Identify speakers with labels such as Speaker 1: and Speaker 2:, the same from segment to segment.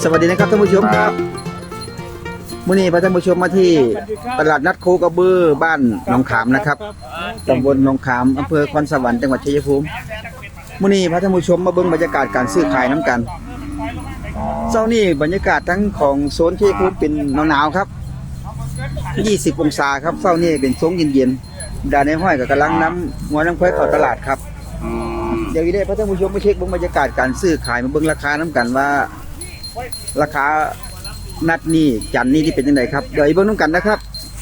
Speaker 1: สวัสดีนะครับท่านผู้ชมครับมื้อนี้พาท่านผู้ชมมาที่ตลาดนัดโคกระบือบ้านหนองขามนะครับตำบลหนองขามอำเภอคอนสวรรค์จังหวัดชัยภูมิมื้อนี้พาท่านผู้ชมมาเบิ่งบรรยากาศการซื้อขายน้ำกันเช้านี้บรรยากาศทั้งของโซนชัยภูมิเป็นหนาวๆครับ20องศาครับเช้านี้เป็นทรงเย็นๆดาในห้อยก็กำลังนำหัวน้ำควายเข้าตลาดครับเดี๋ยวได้พาท่านผู้ชมมาเช็คเบิ่งบรรยากาศการซื้อขายมาเบิ่งราคาน้ำกันว่าราคานัดนี้จันนี้ที่เป็นยังไงครับเดี๋ยวอีกเบิ่งน้ำกันนะครับ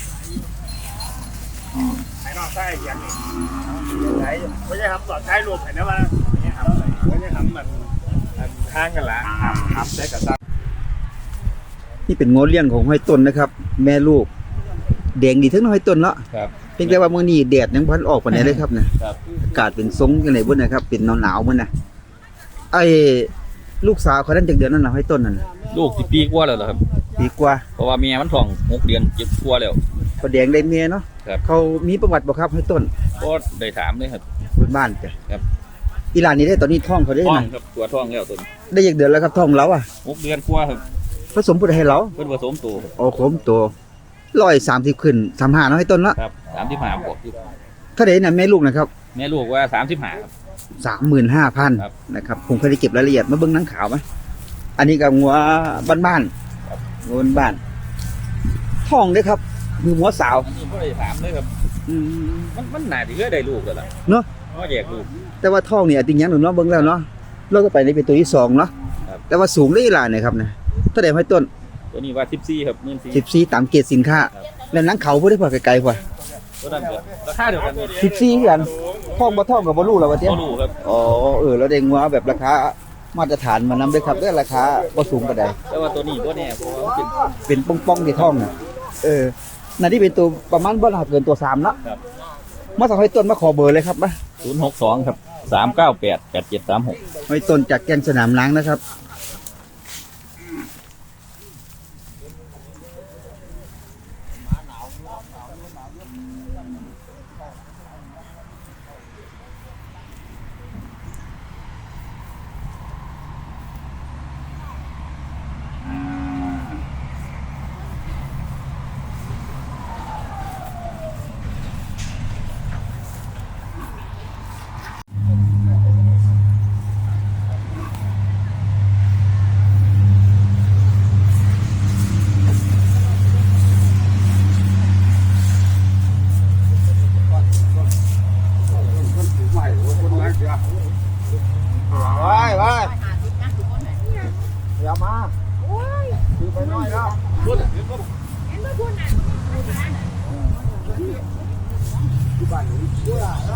Speaker 2: ไอ้นอกใต้เขียนไม่ใช่ทำต่อท้ายรวมเห็นนะว่าไม่ใช่ทำมันข้างกันละทำได้กับตั้ง
Speaker 1: นี่เป็นงอเลี้ยงของห้อยต้นนะครับแม่ลูกแดงดีทั้งห้อยต้นเนาะเพียงแต่ว่ามื้อนี้แดดยังพันออกปานใดเลยครับนะอากาศเป็นทรงจังได๋บ่นะครับเป็นหนาวๆมื้อน่ะไอ้ลูกสาวเขานั้นจักเดือนนั่นน่ะห้อยต้นนั่น
Speaker 3: ลูก10 ปีกว่าแล้วครับ
Speaker 1: ปีกว่า
Speaker 3: เพราะว่าเมียมันท้อง6 เดือน7 กว่าแล้ว
Speaker 1: เขาแดงได้เมียเนาะเขามีประวัติบ่ครับห้อยต้น
Speaker 3: ก็ได้ถามเลยครับ
Speaker 1: บ้านจ้ะ
Speaker 3: ครับ
Speaker 1: อีหลานนี่ได้ตอนนี้ท้องเขาได้
Speaker 3: นะครับตัวท้องแล้วต้น
Speaker 1: ได้จักเดือนแล้วครับท้องเราอ่ะ
Speaker 3: 6 เดือนกว่าครับ
Speaker 1: ผสมผู้ใดให้เรา
Speaker 3: เพิ่นผสมตัว
Speaker 1: อ๋อผสมตัว130ขึ้น35เนาะให้ต้นละ
Speaker 3: ครับ35บวกอยู่
Speaker 1: เท่าใดน่ะแม่ลูกนะครับ
Speaker 3: แม่ลูกว่า35ครับ
Speaker 1: 35,000 นะครับผมเคยได้เก็บรายละเอียดมาเบิ่งหนังขาวมั้ยอันนี้ก็งัวบ้านๆงัวบ้านท้องเด้อครับมีหัวสาว
Speaker 3: อันนี้บ่ได้ถามเลยครับมันน่าสิได้ลูกแล้วล่ะ
Speaker 1: เนาะ
Speaker 3: บ่แยกลูก
Speaker 1: แต่ว่าท้องนี่ติงหยังเนาะเบิ่งแล้วเนาะเราก็ไปนี่เป็นตัวที่2เนาะแต่ว่าสูงได้อีหลายนะครับนะเท่าใดให้ต้น
Speaker 3: ตัวนี้ว่า14ครับ
Speaker 1: 14ตามเกรดสินค้าแล้วหนังเขาบ่ได้พอไกลๆพอ
Speaker 3: ตัวนั้นก็ราคาเดียวกัน
Speaker 1: 14กันท้องบ่ท้องก็บ่รู้แล้วว่าเตี้ย
Speaker 3: บ่รู้ครับ
Speaker 1: อ๋อแล้วได้งัวแบบราคามาตรฐานมานำด้วยครับด้วยราคาบ่สูงปานใด
Speaker 3: แต่ว่าตัวนี้บ่แน่เพราะว่า
Speaker 1: เป็นป้องๆที่ท้องน่ะน่ะที่เป็นตัวประมาณบ่น่าเกินตัว3เนาะ
Speaker 3: ครับ
Speaker 1: มาสั่งให้ต้นมาขอเบอร์เลยครับมา
Speaker 3: 062ครับ398 8736
Speaker 1: ให้ต้นจากแกงสนามล้างนะครับเดี๋ยวมาคือไปน้อยแล้วที่บ้านนี้เชื่อแล้ว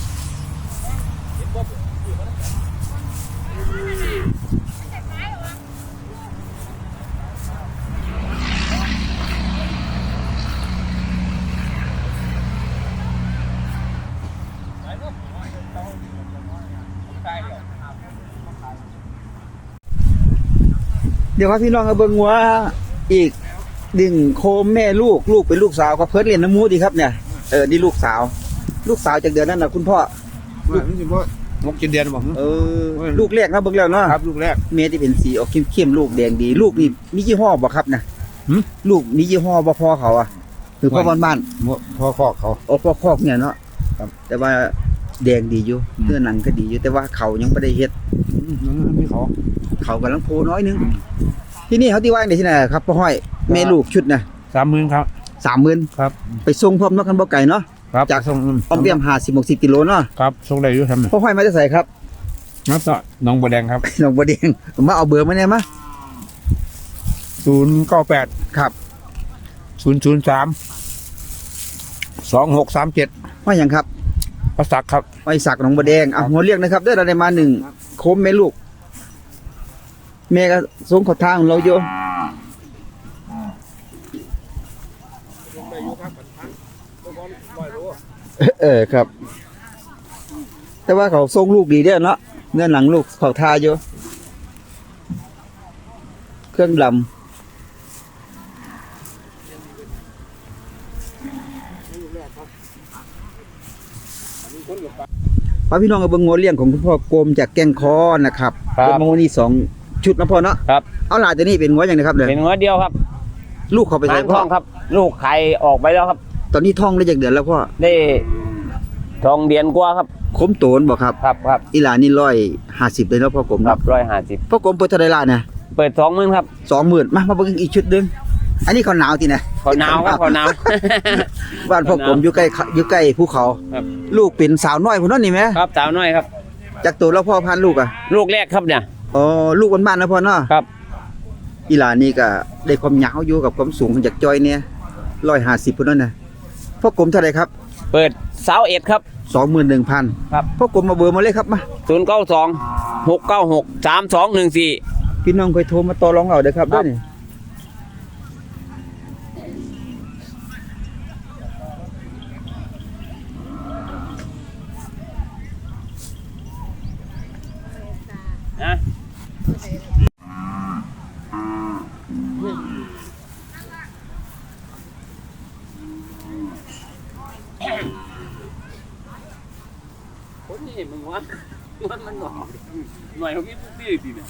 Speaker 1: เดี๋ยวครับพี่น้องเอาเบิ่งว่าอีกดึงโคมแม่ลูกเป็นลูกสาวก็เพิ่นเรียนน้ำมูดีครับเนี่ยนี่ลูกสาวจากเดือนนั้นน่ะคุณพ่อ
Speaker 2: ลูกนี่บ่6 เดือนบ่
Speaker 1: ลูกแรกนะเบิ่งแล้วเนาะ
Speaker 2: ครับลูกแรก
Speaker 1: เมที่เป็นสีออกเข้มๆลูกแดงดีลูกนี่มียี่ห้อบ่ครับนะลูกมียี่ห้อบ่พอเขาอ่ะคือพ่อบ้าน
Speaker 2: พ่อคอกเขา
Speaker 1: พ่อคอกเนี่ยเนาะแต่ว่าแดงดีอยู่เนื้อหนังก็ดีอยู่แต่ว่าเขายังไม่ได้เฮ็ด
Speaker 2: มีเขา
Speaker 1: กำลังโพน้อยนึงที่นี่เขาที่ว่าในที่ไหนครับพ่อห้อยแม่ลูกชุดนะ
Speaker 2: 30,000ครับ
Speaker 1: 30,000
Speaker 2: ครับ
Speaker 1: ไปส่งพร้อมนกกันบ่ไก่เนาะจาก
Speaker 2: ส่ง
Speaker 1: อ้อมเปียม50-60กิโลเนาะ
Speaker 2: ครับส่งได้อยู่ครับ
Speaker 1: พ่อห้อยมาจะใส่ครับ
Speaker 2: ครับน้องบัวแดงครับ
Speaker 1: น้องบัวแดงมาเอาเบอร์มาเนี่ยมั้ย
Speaker 2: 098
Speaker 1: ครับ
Speaker 2: 003 2637
Speaker 1: ว่าหยังครับ
Speaker 2: ประศักดิ์ครับ
Speaker 1: ไว้สักน้องบัวแดงหัวเรียกนะครับได้เราได้มา1โคมแม่ลูกแม่ก็ส่งขอทางเราอยู่ครับแต่ว่าเขาส่งลูกดีเด้อเนาะเนื้อหนังลูกเขาทาอยู่เครื่องดำป้าพี่น้องกับเบิ้งงัวเลี้ยงของคุณพ่อโกมจากแก้งคอนะครับเป็นโมนี่2 ชุดนะพ่อเนาะ
Speaker 3: ครับ
Speaker 1: เอาหลานตัวนี้เป็นงัวอย่างไรครับเนี่ย
Speaker 3: เป็นหัวเดียวครับ
Speaker 1: ลูกเขาไป
Speaker 3: หา
Speaker 1: ใส่
Speaker 3: ง
Speaker 1: พ่
Speaker 3: ท
Speaker 1: อ
Speaker 3: องครับ ลูกไข่ออกไปแล้วครับ
Speaker 1: ตอนนี้ท้องได้จากเดือนแล้วพ่อ
Speaker 3: ได้ทองเดือนกว่าครับ
Speaker 1: คมโตนบอกครับ
Speaker 3: ครับ
Speaker 1: อีหลานนี่150เลยเนาะพ่อกลม
Speaker 3: ครั
Speaker 1: เนาะ
Speaker 3: บ150
Speaker 1: พ่อกลมเปิดเท่าไหร่ล่ะเนี่ย
Speaker 3: เปิด20,000ครับ
Speaker 1: 20,000มาเบิ่งอีกชุดหนึงอันนี้เขาหนาวทีนะ
Speaker 3: เขาหนาวครับเขาหนาว
Speaker 1: บ้านพ่อกลมอยู่ใกล้ภูเขา
Speaker 3: ครับ
Speaker 1: ลูกเป็นสาวน้อยพุ่นเนาะนี่แหม
Speaker 3: ครับสาวน้อยครับ
Speaker 1: จากตัวแล้วพ่อพันธุ์ลูกอ่ะ
Speaker 3: ลูกแรกครับเนี่ย
Speaker 1: อ๋อลูกบ้านๆนะพ่อเนาะ
Speaker 3: ครับ
Speaker 1: อีหลานนี่ก็ได้ความยาวอยู่กับความสูงจากจอยเนี่ย150พุ่นนั่นน่ะพ่อกลมเท่าไหร่ครับ
Speaker 3: เปิด21ครับ
Speaker 1: 21,000
Speaker 3: ครับ
Speaker 1: พ่อกลมมาเบอร์มาเลยครับมา
Speaker 3: 092 696 3214
Speaker 1: พี่น้องเคยโทรมาต่อรองเอาเด้อครับเด้อนี่
Speaker 3: นะ คนนี่มึงวะมันหน่อยเขาพี่พี่ดีเนี่ย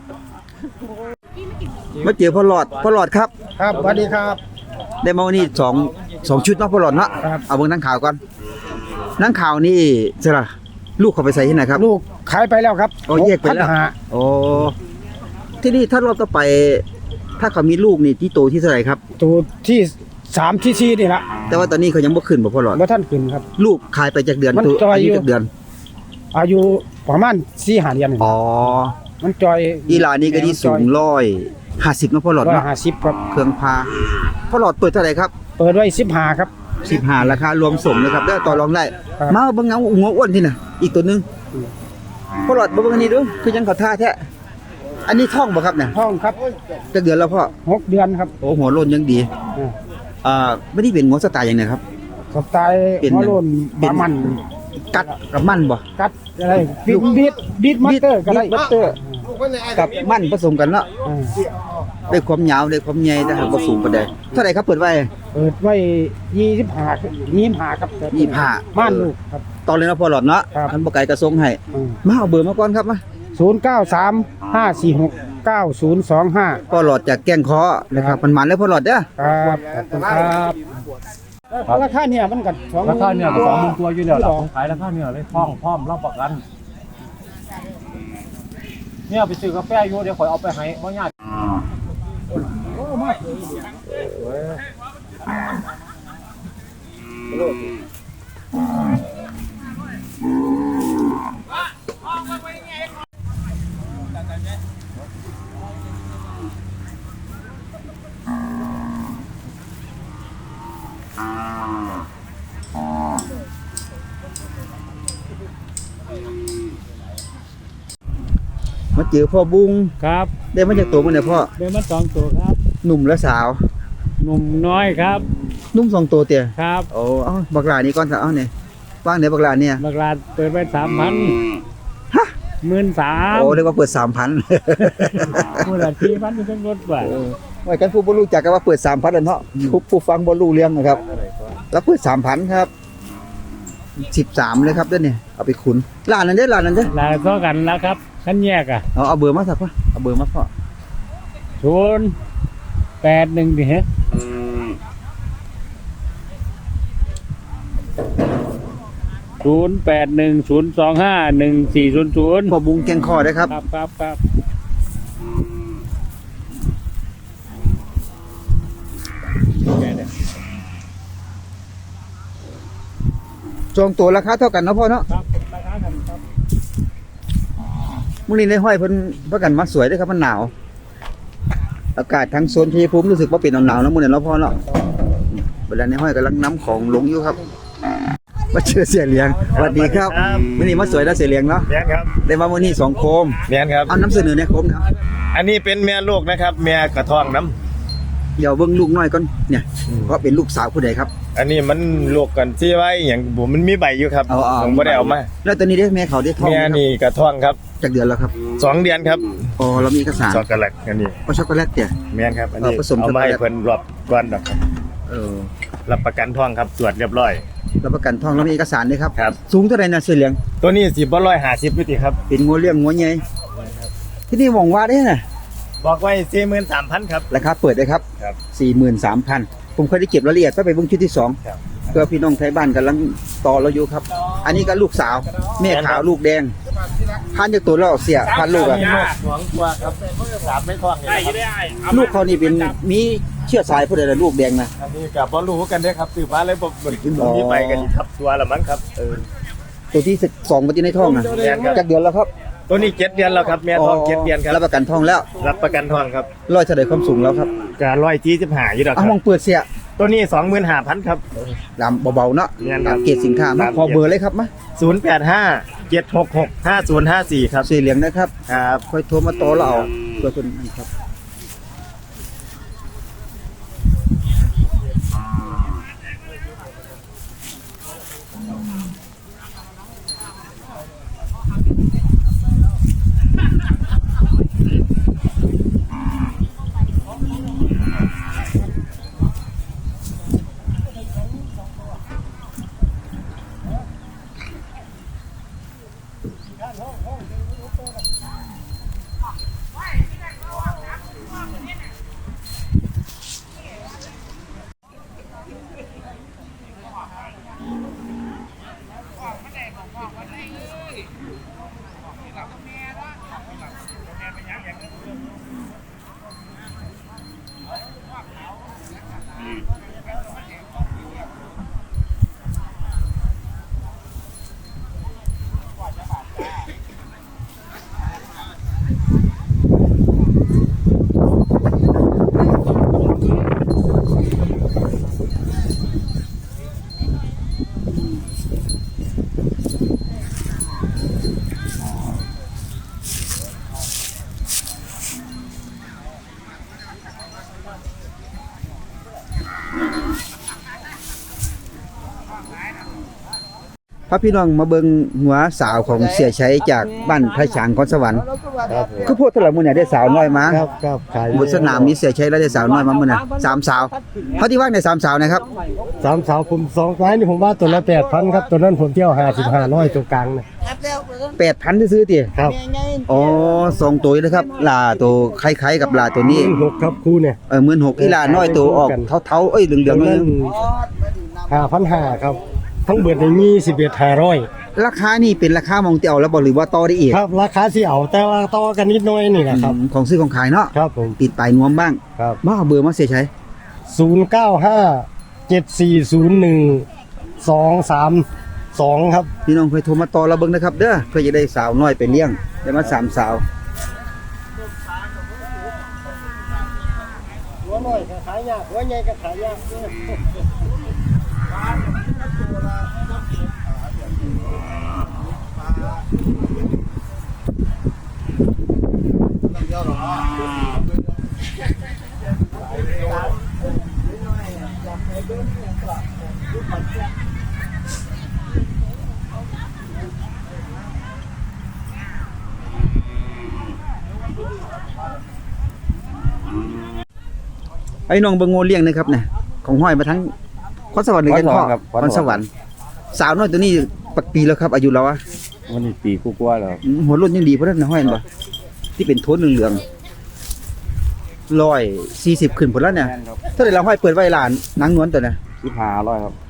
Speaker 1: มาเจอพ่อหลอดครับ
Speaker 2: ครับสวัสดีครับ
Speaker 1: ได้มาวันนี้2ชุดเนาะพ่อหลอดเนาะ
Speaker 2: ครับ
Speaker 1: เอาเบิ่งหนังข่าวก่อนหนังข่าวนี่จะล่ะลูกเขาไปใส่ที่ไหนครับ
Speaker 2: ลูกขายไปแล้วครับ
Speaker 1: อ๋อแยกไปแล้ว
Speaker 2: 6,500
Speaker 1: โอ้ที่นี่ถ้ารอบต่อไป ถ้าเขามีลูกนี่ที่โตที่เท่าไหร่ครับ
Speaker 2: ตัวที่3ที่4นี่ละ
Speaker 1: แต่ว่าตอนนี้เขายังบ่ขึ้นบ่พ่อหลอด
Speaker 2: บ่ท่านขึ้นครับ
Speaker 1: ลูกขายไปจากเดือน
Speaker 2: มัน
Speaker 1: ตัว
Speaker 2: จอยอยู่
Speaker 1: จากเดือน
Speaker 2: อายุประมาณ4-5เดือนนี่
Speaker 1: อ๋อ
Speaker 2: มันจอย
Speaker 1: อีหลานนี่ก็ที่สูง150เนาะพ่อหลอดเนาะ
Speaker 2: 150ครับ
Speaker 1: เครื่องพาพ่อหลอดเปิดเท่าไหร่ครับ
Speaker 2: เปิดไว้15ครับ
Speaker 1: 15ราคารวมส่งนะครับได้ต่อรองได้
Speaker 2: ครับ
Speaker 1: มาเบิ่งเงาหัวอ้วนที่น่ะอีกตัวหนึงพ่อหลอดมาเบิ่งอันนี้ดูคือยังเขาท่าแท้อันนี้ท้องบ่ครับเนี่ย
Speaker 2: ห้องครับ
Speaker 1: จักเดือนแล้วพ่อ
Speaker 2: 6 เดือนครับ
Speaker 1: โอ้หัวโลนยังดี ไม่ได้เป็นหัวสไตล์อย่างไหนครับ
Speaker 2: สไตล์
Speaker 1: เป็น
Speaker 2: หัวโลน
Speaker 1: เป็น
Speaker 2: บามัน
Speaker 1: กัดกับมั่นบ่
Speaker 2: กัดอะไรบีดมัตเตอร์ก็ได้
Speaker 1: บัตเตอร์กับมั่นผสมกันเนาะ
Speaker 2: อ่า
Speaker 1: ได้ความยาวได้ความใหญ่แต่หากบ่สูงปานใดเท่าไหร่ครับเปิดไว้
Speaker 2: เปิดไว้25ครับ
Speaker 1: 25
Speaker 2: ม่านลูกครับ
Speaker 1: ตอนเลยนะพ่อหลอดเนาะ
Speaker 2: ครับ
Speaker 1: อันบ่ไกลกระทรงให้มาเอาเบอร์มาก่อนครับมา
Speaker 2: 0935469025
Speaker 1: พ่อหลอดจากแก้งเคอนะครับมันแล้วพ่อหลอดเด้อ
Speaker 2: ครับขอบคุณครับราคาเนี่ยมันก็20,000
Speaker 4: ราคาเนี่ยก็20,000ตัวอยู่แล้วล่ะผมขายราคาเนี่ยเลยท่องพร้อมรับประกัน เนี่ยไปซื้อกาแฟอยู่เดี๋ยวข่อยเอาไปให้บ่ยาก
Speaker 1: มาเจอพ่อบุ้ง
Speaker 4: ครับ
Speaker 1: ได้มาจากตัวมันเนี่ยพ่อ
Speaker 4: เดินมา2ตัวครับ
Speaker 1: หนุ่มและสาว
Speaker 4: หนุ่มน้อยครับ
Speaker 1: นุ่ม2ตัวเตี้ย
Speaker 4: ครับ
Speaker 1: โอ้เอาบักหลานี่ก่อนซะเอาเนี่ยว่างไหนบักหลาเนี่ย
Speaker 4: บักลาเปิดไป3,000
Speaker 1: ฮะ
Speaker 4: 13,000
Speaker 1: โอ้เรียกว่าเปิด 3,000
Speaker 4: มูลค่า4,000เป็นรถกว่า
Speaker 1: ไว้กันผู้บ่รู้จักก็ว่าเปิด 3,000แล้วเนาะผู้ฟังบ่รู้เรื่องนะครับ แล้วเปิด 3,000 ครับ 13เลยครับเด้อนี่เอาไปขุนร้านนั้นเด้อร้านนั้นเด้อ
Speaker 4: ลาเท่ากันแล้วครับคันแยกอ่ะ
Speaker 1: เอาเบอร์มาสักพ่อเอาเบอร์มาพ่อ
Speaker 4: 081ดิฮะ0810251400
Speaker 1: พ่อบุ้งแกงคอได้ครับ
Speaker 4: ครับ
Speaker 1: จองตัวราคาเท่ากันเนาะพ่อเนาะ
Speaker 4: ครับราคากันครับ
Speaker 1: มื้อนี้ในห้อยเพิ่นประกันมาสวยเด้อครับมันหนาว อากาศทั้งโซนชัยภูมิรู้สึกว่าเป็นหนาวๆนะมื้อนี้เนาะพ่อเนาะเวลาในห้อยกำลังนำของลงอยู่ครับมาเจอเสียเหลียงสวัสดีครับมื้อนี้มาสวยแล้วเสียเหลียงเนาะ
Speaker 2: แม่นครับ
Speaker 1: ได้มามื้อนี้2โคม
Speaker 2: แม่นครับ
Speaker 1: เอานำเสนอในโคมนะ
Speaker 2: อันนี้เป็นแม่ลูกนะครับแม่กระท้องน้ำ
Speaker 1: เดี๋ยวเบิ่งลูกน้อยก่อนเนี่ยเพราะเป็นลูกสาวผู้ใดครับ
Speaker 2: อันนี้มันลูกกันที่ไว้อย่างผมมันมีใบอยู่ครับ
Speaker 1: เอา
Speaker 2: ผมบ่ได้เอามา
Speaker 1: แล้วตอนนี้ได้แม่เขาได้ท้อง
Speaker 2: แม่
Speaker 1: ไหมครับ
Speaker 2: นี่กระท้องครับ
Speaker 1: จากเดือนแล้วครับ
Speaker 2: 2 เดือนครับ
Speaker 1: อ๋อเรามีเอกสาร
Speaker 2: ช็อกโกแลตอันนี้
Speaker 1: ก็ช็อกโกแลตเนี่ย
Speaker 2: แม่นครับอันนี้
Speaker 1: ผสม
Speaker 2: เอามาให้
Speaker 1: ช็อกโกแลต
Speaker 2: เพิ่นรอบก่อนดอกครับ
Speaker 1: เออ
Speaker 2: รับประกันท้องครับตรวจเรียบร้อย
Speaker 1: รับประกันท้องเรามีเอกสารด้วยครับ
Speaker 2: ครับ
Speaker 1: สูงเท่าไหร่นะเสียเหลียง
Speaker 2: ตัวนี้10 150นี่ติครับ
Speaker 1: เป็นงัวเลี้ยงงัวใหญ่ที่นี่หวังว่าได้น่ะ
Speaker 2: บอกไว้43,000ครับ
Speaker 1: ราคาเปิดได้ครับ
Speaker 2: ครับ
Speaker 1: 43,000ผมเคยได้เก็บรายละเอียดไปเบิ่งชุดที่2
Speaker 2: ครับ
Speaker 1: เพื่อพี่น้องไทยบ้านกำลังต่อเราอยู่ครับ อันนี้ก็ลูกสาวแม่ขาวลูกแดงพันจากตัวเราเสียพันลูกอะ
Speaker 2: มีลูกหวงกว่าครับ3ไม่คล้องได้ได้
Speaker 1: ลูกเขานี่เป็นมีเชื้อสายผู้ใดล่ะลูกแดงนะ
Speaker 2: อันนี้กับบ่รู้กันเด้อครับซื้อมาเลยบ่มีไปกันครับตัวละมั้งครับ
Speaker 1: ตัวที่2มาที่ในท้องนะ
Speaker 2: แม่นครับ
Speaker 1: จักเดือนแล้วครับ
Speaker 2: ตัวนี้7เดือนแล้วครับแม่ท้อง7เดือนครับ
Speaker 1: รับประกันท้องแล้ว
Speaker 2: รับประกันท้องครับ
Speaker 1: ร้อยเท่าใดความสูงแล้วครับ
Speaker 2: จะ145อยู่ดอกค
Speaker 1: เอา
Speaker 2: รับ
Speaker 1: มองเปิดเสีย
Speaker 2: ตัวนี้ 25,000ครับ
Speaker 1: ลำเบาๆเนาะ
Speaker 2: แม่นครับ
Speaker 1: ตามเกรดสินค้ามาขอเบอร์เลยครับมา
Speaker 2: 085 766 5054ครับ
Speaker 1: สีเหลืองนะครับ
Speaker 2: ครับ
Speaker 1: ค่อยโทรมาต่อเราเอาเพื่อคนนี้ครับพระพี่น้องมาเบิ่งหัวสาวของเสียชัยจากบ้านพระฉางคอนสวรรค์คือพูดตลอดมื้อเนี่ยได้สาวน้อยมา
Speaker 2: ครับขาย
Speaker 1: บนสนามมีเสียชัยแล้วได้สาวน้อยมามื้อน่ะ3สาวเขาที่ว่าใน3สาวนะครับ
Speaker 2: 3สาวผม2ไม้นี่ผมว่าตัวละ 8,000 ครับตัวนั้นผมเที่ยว5500ตัวกลางนะ
Speaker 1: 8,000ซื้อๆติ
Speaker 2: ครับ
Speaker 1: อ๋อ2ตัวนะครับลาตัวคล้ายๆกับลาตัวนี้
Speaker 2: 6ครับคู่เนี่ย
Speaker 1: 16,000อีลาน้อยตัวออกเทาๆเอ้ยเหลืองๆ
Speaker 2: นั้
Speaker 1: นึ
Speaker 2: น
Speaker 1: ง
Speaker 2: 5,500ครับทั้งเบิดนี่มี11,500
Speaker 1: ราคานี่เป็นราคามองเตียวแล้วบ่หรือว่าต่อได้อีก
Speaker 2: ครับราคาสิเอาแต่ว่าต่อกันนิดหน่อยนี่แหละครับ
Speaker 1: ของซื้อของขายเนาะ
Speaker 2: ครับผม
Speaker 1: ติดปลายนวมบ้าง
Speaker 2: ครับ
Speaker 1: มาเอาเบอร์มาเสียชัย
Speaker 2: 0957401232ครับ
Speaker 1: พี่น้องเคยโทรมาต่อเราเบิ่งนะครับเด้อเพื่อจะได้สาวน้อยไปเลี้ยงได้มา3สาว
Speaker 2: หัวน้อยก็ขายยากหัวใหญ่ก็ขายยาก
Speaker 1: ไอ้น้องเบิ่งโง่เลี้ยงนะครับเนี่ยของห้อยมาทั้งคอนสวรรค์หรือกันพ่อคอนสวรรค์สาวน้อยตัวนี้ปักปีแล้วครับอายุเราอะ
Speaker 4: วันนี้ปีกูกว่าแล้ว
Speaker 1: หัวรุ่นยังดีเพราะนั้นนะห้อยเห็นบ่ที่เป็นโทนเหลืองๆ140ขึ้นพุ่นแล้วเนี่ยเท่าไหร่เราห้อยเปิดไว้ล้านนางนวลตัวน่ะ
Speaker 4: 1500ครับ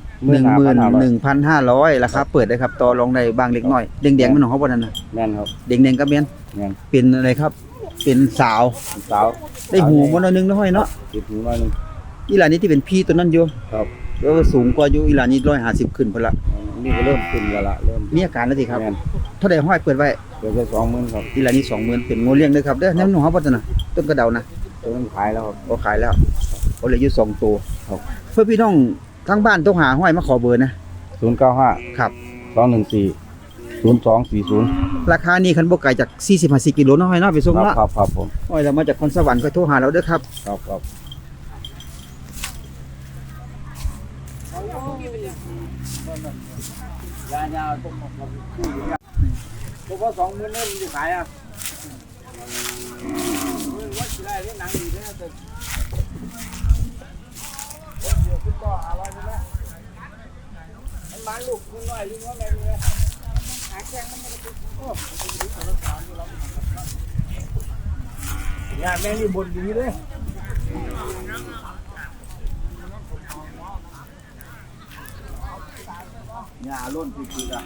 Speaker 1: 11,500ราคาเปิดได้ครับต่อรองได้บางเล็กน้อยแดงๆมันของเขาบ่นั่นน่ะ
Speaker 4: แม่นครับ
Speaker 1: แดงๆก็แม่น
Speaker 4: แม่น
Speaker 1: เป็นอะไรครับ เป็นสาว
Speaker 4: สาว
Speaker 1: ได้หูบ่หน่อยนึงนะห้อยเนาะ
Speaker 4: ติดหูหน่อยนึง
Speaker 1: อีหลานนี้ที่เป็นพี่ตัวนั้นอยู่
Speaker 4: ครับ
Speaker 1: แล้วสูงกว่าอยู่อีหลานนี้150ขึ้นพุ่นละ
Speaker 4: นี่ก็เริ่มขึ้นแล้วล่ะเริ่ม
Speaker 1: มีอาการแล้วสิครับ
Speaker 4: แม่น
Speaker 1: เท่าใดห้อยเปิดไว้
Speaker 4: เดี๋ยวจะ20,000ครับ
Speaker 1: อีหลานนี้20,000เป็นงูเลี้ยงเด้อครับเด้อแนวหนูเฮาบ่ซั่นน่ะต้นกระเดานะ
Speaker 4: ตัวนั้นขายแล้วครับ
Speaker 1: บ่ขายแล้วเอาเหลืออยู่2ตัว
Speaker 4: ครับ
Speaker 1: เพื่อพี่น้องทางบ้านต้องหาห้อยมาขอเบอร์นะ
Speaker 4: 095
Speaker 1: ครับ
Speaker 4: 214 0240
Speaker 1: ราคานี้คันบ่ไกลจาก40-50กิโลเนาะห้อยเนาะไปส่ง
Speaker 4: ครับ
Speaker 1: เนาะ
Speaker 4: ครับครับผม
Speaker 1: ห้อยเรามาจากคอนสวรรค์ก็โทรหาเราเด้อครับ
Speaker 4: ครับครับ
Speaker 3: ยาวๆผมว่า20,000เนี่ยมันจะขายอ่ะว่าสิได้เรื่องหนังดีแท้แต่เดี๋ยวคุณก็อร่อยนี่แหละมันมาลูกคุณน้อยลูกว่าไงนี่หาแข้งมันไม่ได้โอ้
Speaker 2: งานแม่นี่บนดีเลยงาล้นคือๆอ่ะ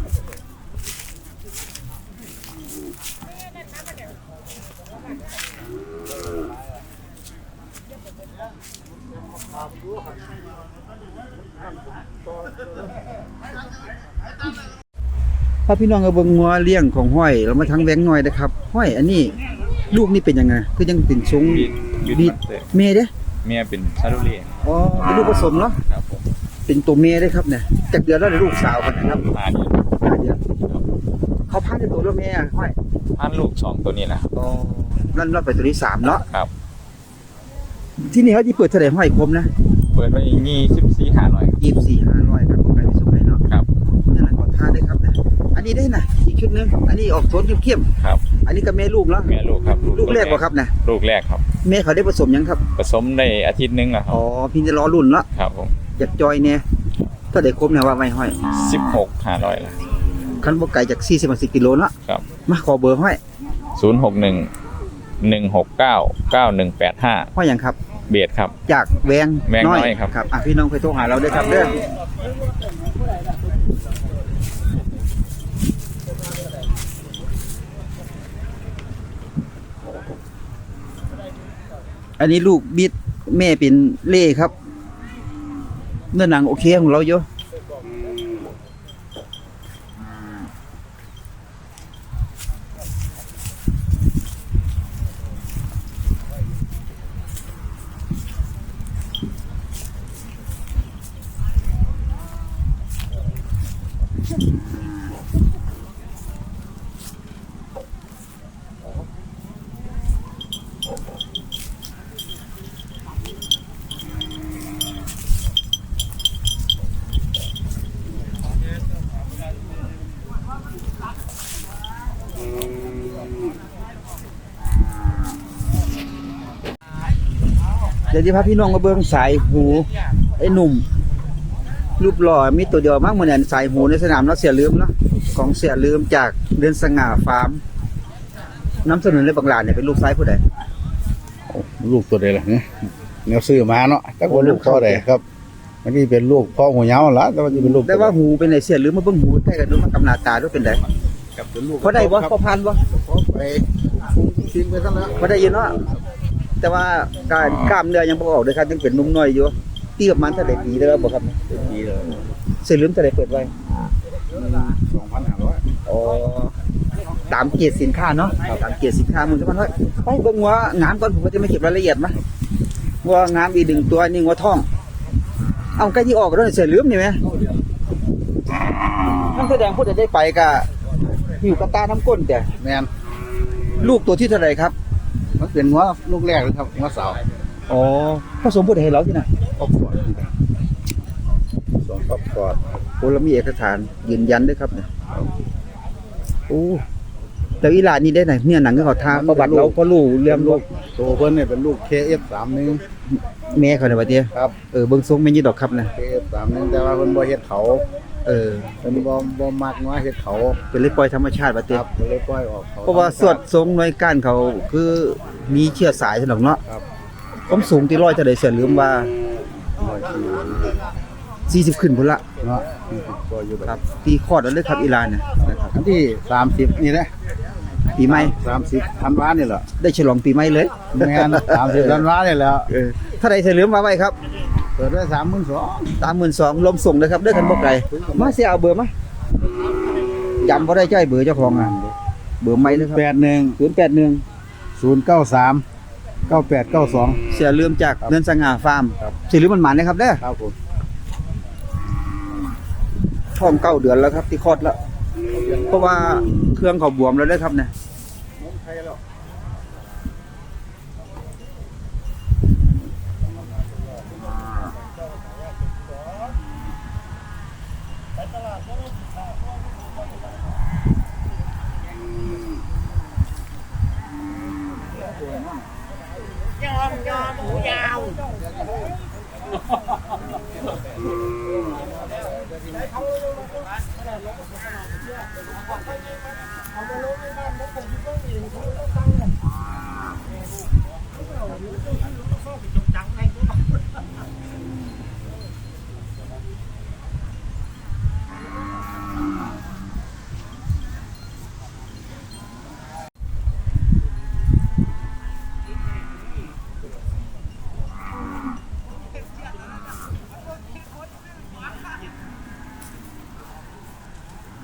Speaker 1: พาพี่น้องเอาเบิ่งงัวเลี้ยงของห้อยเรามาทั้งแบงค์น้อยนะครับห้อยอันนี้ลูกนี่เป็นยังไงคือยังเป็นทรงบีดเมย์เด้
Speaker 5: เมียเป็นชาลูเล่
Speaker 1: อ๋อเป็นลูกผสมเนาะ
Speaker 5: ครับผม
Speaker 1: เป็นตัวเมย์ได้ครับเนี่ยจากเดือนแล้วได้ลูกสาวกันนะครับ
Speaker 5: พานี่
Speaker 1: เดือนเขาพาในตัวแล้วแม่ห้อย
Speaker 5: พันลูก2ตัวนี้นะ
Speaker 1: อ๋อนั่นรอบไปตัวที่3เนาะ
Speaker 5: ครับ
Speaker 1: ที่นี่เขาที่เปิดเท่าไหร่ห้อยคมนะ
Speaker 5: เปิดไว้24,500
Speaker 1: 24,500ครับผมไปสุดเลยเนาะ
Speaker 5: ครับ
Speaker 1: นั่นแหละขอทานได้ครับเนี่ยอันนี้ได้นะอีกชุดหนึงอันนี้ออกโทนเข้ม
Speaker 5: ครับ
Speaker 1: ๆอันนี้ก็แม่ลูกแล้ว
Speaker 5: แม่ลูกครับ
Speaker 1: ลูกแรกบ่ครับนะ
Speaker 5: ลูกแรกครับ
Speaker 1: แม่เขาได้ผสมยังครับ
Speaker 5: ผสมได้อาทิตย์หนึงแล้วครั
Speaker 1: อ๋อพี่จะรอรุ่นละ
Speaker 5: ครับผม
Speaker 1: อยากจอยเนี่ยถ้าได้ครบเนี่ยว่าไม่ห้อย
Speaker 5: 16,500ละ
Speaker 1: คันบ่ไกลจาก40-50กิโลเนาะ
Speaker 5: ครับ
Speaker 1: มาขอเบอร์ห้อย
Speaker 5: 061 169 9185
Speaker 1: ห้อยหยังครับ
Speaker 5: เบียดครับ
Speaker 1: จากแวง
Speaker 5: แวงน้อยครับ
Speaker 1: ครับพี่น้องไปโทรหาเราด้วยครับเด้ออันนี้ลูกบิดแม่เป็นเล่ครับเนื้อหนังโอเคของเราอยู่เดี๋ยวที่พาพี่น้องมาเบิ่งสายหูไอ้หนุ่มรูปหล่อมีตัวเดียวมากเหมือนสายหูในสนามเนาะเสียลืมเนาะของเสียลืมจากเดือนสง่าฟาร์มน้ำเสนอเลยบางหลานเนี่ยเป็นลูกซ้ายผู้ใด
Speaker 6: ลูกตัวใดล่ะเนี่ยแนวซื้อมาเนาะแต่ว่าลูกพ่อใดครับมันนี่เป็นลูกพ่อหูยาวละแต่ว่าจะเป็นลูก
Speaker 1: ได้ว่าหูเป็นไหนเสียลืมมาเบิ่งหูใกล้กันดูมากำนาตาด้วยเป็นได
Speaker 6: กับเป็นลูก
Speaker 1: พอได้บ่พอพันบ่
Speaker 6: พ่อไปทิ้งไปทั้งนั้น
Speaker 1: พอได้ยินเนาะแต่ว่าการกล้ามเนื้อยังบ่ออกเลยครับยังเป็นหนุ่มน้อยอยู่ตีประมาณเท่าไหร่ปีเด้อบ่ครับ
Speaker 6: ดีเลย
Speaker 1: เสียลืมเท่าไหร่เปิดไว้
Speaker 6: 2,500
Speaker 1: อ๋อตามเกียรติสินค้าเนาะตามเกียรติสินค้ามึงจะมันว่าไปเบิ่งว่างามก่อนผมก็จะไม่เก็บรายละเอียดมาว่างามอีกหนึ่งตัวนี่งัวทอง เอาใกล้ที่ออกแล้วเสียลืมนี่ไหมนั่นแสดงพูดจะได้ไปกะหิวกระตาน้ำก้นแต่
Speaker 6: แม่น
Speaker 1: ลูกตัวที่เท่าไหร่ครับ
Speaker 6: มันเป็นหัวลูกแรกเลยครับหัวสาว
Speaker 1: อ๋อผสมพูดให้เราที่ไหน
Speaker 6: ครอบครัวสองครอบครัว
Speaker 1: โอ้เรามีเอกสารยืนยันด้วยครับเนี่ยโอ้แล้วอีหลานนี่ได้ไหนเนี่ยหนังก็เขาทาประวัติเราก็รู้เรื่องลูก
Speaker 6: ตัวเพิ่นเนี่ยเป็นลูก KF31
Speaker 1: แม่เขาในยว่าเดีย
Speaker 6: ครับ
Speaker 1: เบิ่งทรงไม่ยืดดอกครับนะ
Speaker 6: KF31 แต่ว่าเพิ่นบ่เฮ็ดเขา
Speaker 1: เออ
Speaker 6: เพิ่นบ่มักว่าเฮ็ดเขา
Speaker 1: เป็นเลยปล่อยธรรมชาติว่า
Speaker 6: ค
Speaker 1: เดีย
Speaker 6: รับก็เลยปล่อยออกเขา
Speaker 1: เพราะว่าสวดทรงหน่วยก้านเขาคือมีเชื้อสายสนองเนาะ
Speaker 6: ครับ
Speaker 1: ผมสูงที่ร้อยจะได้เสียลืมว่า
Speaker 6: 140
Speaker 1: 40ขึ้นพุ่นละ
Speaker 6: เนาะก็อยู่แบบ
Speaker 1: ครับตีคลอดแล้วเลยครับอีหลานเนี่ยนะครับ
Speaker 6: อันที่30นี่นะ
Speaker 1: ปีใหม่
Speaker 6: 30ธันวานี่แหละ
Speaker 1: ได้ฉลองปีใหม่เลย
Speaker 6: แม่น30ธันวานี่แหล้ว
Speaker 1: ถ้าได้เสียลืมมาไว้ครับ
Speaker 6: เปิดได้32,000
Speaker 1: 32,000ลมส่งเลยครับเด้อกันบ่ไกลมาเสียเอาเบอร์มาจำบ่ได้ใจเบอร์เจ้าของอ่ะเบอร์ใหม่เลยครับ
Speaker 6: 81
Speaker 1: 081
Speaker 6: 093 9892
Speaker 1: เสียลืมจากเนินสง่าฟาร์ม
Speaker 6: ครับ
Speaker 1: เสียลืมมันหมานนะครับเด้อ
Speaker 6: ครับผม
Speaker 1: ท้อง9 เดือนแล้วครับที่คลอดแล้วเพราะว่าเครื่องเขาบวมแล้วเด้อครับเนี่ย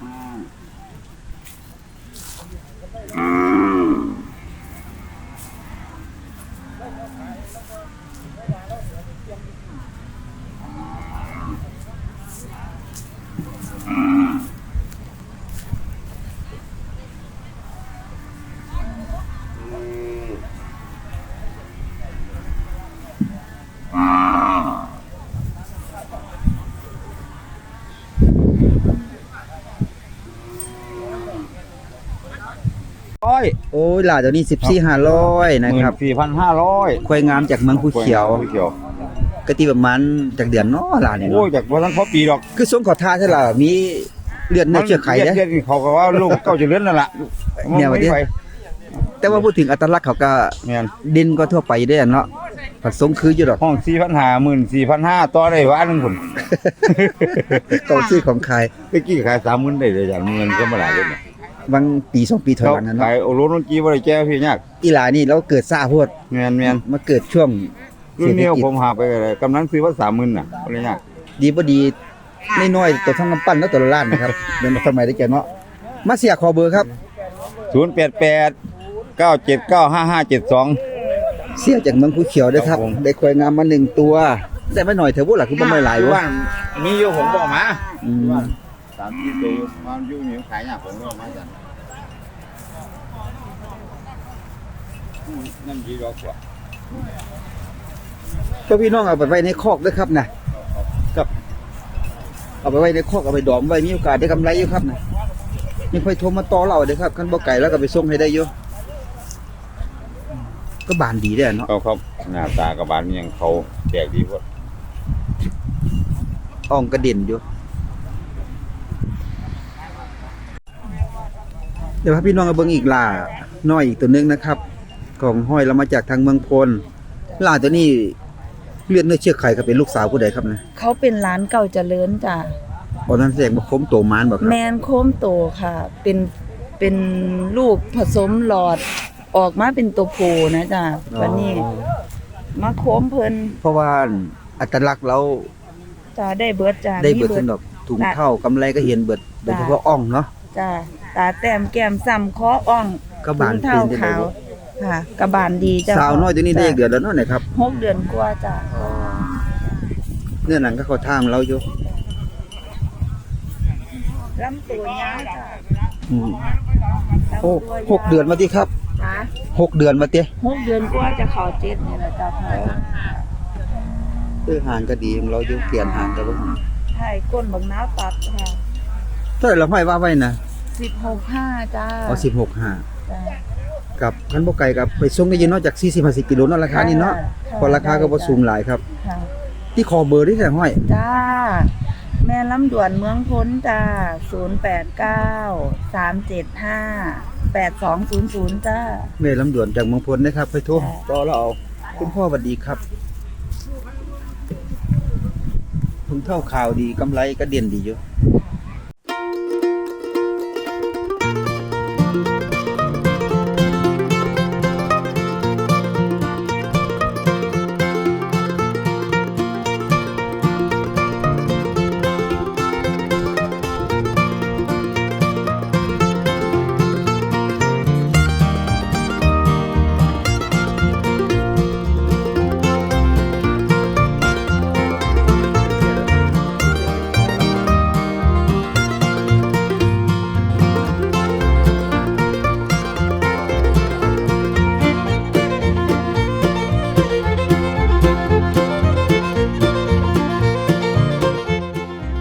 Speaker 1: โอ้ยหลาเดี๋ยวนี้14,500นะครับ
Speaker 6: 14,500
Speaker 1: ควายงามจากเมืองภูเขียว
Speaker 6: ภูเขียว
Speaker 1: กติประมาณจากเดือนเนาะหลาเนี่ย
Speaker 6: โอ้
Speaker 1: เนาะ
Speaker 6: ยจากบ่ทันพอปีดอก
Speaker 1: คือทรงขอทาใช่ล่ะมีเลือดเนื้อเชื้อไขเด้
Speaker 6: เรียกนี่เขาก็ว่าลูกเก้าจะเลื่อนนั่นล่ะ
Speaker 1: เนี่ยว่าดิ
Speaker 6: ไป
Speaker 1: แต่ว่าพูดถึงอัตลักษณ์เขาก็
Speaker 6: แม่น
Speaker 1: ดินก็ทั่วไปเด้อเนาะผัดทรงคืออยู่ดอก
Speaker 6: ห้อง 4,500 ต่อได้ว่านึงพุ่น
Speaker 1: เขาซื้อของขาย
Speaker 6: ตะกี้ขาย 30,000ได้เลยอย่างเงินก็บ่หลายเลยเนี่ย
Speaker 1: บางปี2ปีถอยหลังนั้น
Speaker 6: ขา
Speaker 1: เนาะ
Speaker 6: ยโอโลนจีบ่ได้แก้พี่ยาก
Speaker 1: อีหลานี่เราเกิดซ่าโพด
Speaker 6: แม่น
Speaker 1: มาเกิดช่วง
Speaker 6: ๆรุ่นนี้ผมหาไปก็ได้กำนันซื้อว่า 30,000น่ะบ่ได้ยาก
Speaker 1: ดีบ่ดีน้อยๆตัวทั้งกำปั้นแล้วตัวละล้านนะครับเดี๋ยวสมัยได้แก่เนาะมาเสียขอเบอร์ครับ
Speaker 6: 088 9795572
Speaker 1: เสียจากเมืองภูเขียวเด้อครับ
Speaker 6: ครับผม
Speaker 1: ได้ควายงามมา1ตัวได้มาหน่อยเถอะบ่ล่ะคือบ่ไม่หลาย
Speaker 6: อยู่
Speaker 1: วะ
Speaker 6: บ้านมีอยู่ผมบอกมา
Speaker 1: อืม
Speaker 6: 3-4ตัวมันอยู่นี่ขายยากผมก็มาจ้ะนั่นดีดอกกว่า
Speaker 1: ก็พี่น้องเอาไปไว้ในคอกด้วยครับนะครับเอาไปไว้ในคอกเอาไปดอมไว้มีโอกาสได้กำไรอยู่ครับนะมีค่อยโทรมาต่อเราเด้อครับคันบ่ไก่แล้วก็ไปส่งให้ได้อยู่ก็บานดีเด้อเนาะ
Speaker 6: เขาครับหน้าตากระบาลมันยังเขาแจกดีกว่า
Speaker 1: อ่องกระเด็นอยู่เดี๋ยวพาพี่น้องเอาเบิ่งอีกล่าน้อยอีกตัวหนึงนะครับของห้อยเรามาจากทางเมืองพลล่าตัวนี้เลือดเนื้อเชื้อไขก็เป็นลูกสาวผู้ใดครับนะ
Speaker 7: เขาเป็นร้านเก่าเจริญจ้ะ
Speaker 1: ตอนนั้นแสดงว่าคมโตมานบ่ครั
Speaker 7: แม
Speaker 1: บ
Speaker 7: นโคมโตค่ะ เป็นลูกผสมหลอดออกมาเป็นตัวผู้นะจ้ะวันนี้มาโคมเพิ่น
Speaker 1: เพราะว่าอัตลักษณ์เรา
Speaker 7: จ้ะได้เบิดจ้ะ
Speaker 1: ได้เบิด
Speaker 7: มี
Speaker 1: สำหรับถุงเท้ากำไรก็เห็นเบิดโดยเฉพาะอ่องเนาะ
Speaker 7: จ้ะตาแต้มแก้มซ้ำคออ่อง
Speaker 1: กระบาล
Speaker 7: ถุงเท้า
Speaker 1: เป็นจังได๋
Speaker 7: ขาวค่ะกระบาลดีจ้ะ
Speaker 1: สาวน้อยตัวนี้ได้อีกเดือนแล้วเนาะเนี่ยครับ
Speaker 7: 6 เดือนกว่าจ้ะ
Speaker 1: เนื้อหนังก็เข้าทางเราอยู่
Speaker 7: ลำตัวยาวจ้ะ
Speaker 1: อืม
Speaker 7: ลำ
Speaker 1: โอ้
Speaker 7: ตัวยาว
Speaker 1: 6 เดือนมาติครับ
Speaker 7: จ้ะ
Speaker 1: 6 เดือนมาติ
Speaker 7: 6 เดือนกว่าจะเข้า7นี่แหละจ้ะพ่อ
Speaker 1: หางก็ดีของเราอยู่เปลี่ยนหางก็บ่
Speaker 7: ใช่ก้นบักน้าวตัดค่ะ
Speaker 1: เท่าไหร่เราห้อยว่าไว้นะ
Speaker 7: 16.5จ้ะ
Speaker 1: เอา16.5
Speaker 7: จ้ะ
Speaker 1: กับคันบ่ไกลกับไปส่งได้ยินเนาะจาก40-50กิโลเนาะราคานี้เนาะ
Speaker 7: ค่ะ
Speaker 1: พอราคาก็บ่สูงหลายครับ
Speaker 7: ค่ะ
Speaker 1: ที่คอเบอร์ที่แต่ห้อย
Speaker 7: จ้า แม่ลำด่วนเมืองพ้นจ้า089-375-8200จ้า
Speaker 1: แม่ลำดวนจากเมืองพลนะครับไปโทร
Speaker 7: ค่ะ
Speaker 1: ต่อเราเอาคุณพ่อสวัสดีครับถุงเท่าข่าวดีกำไรก็เด่นดีอยู่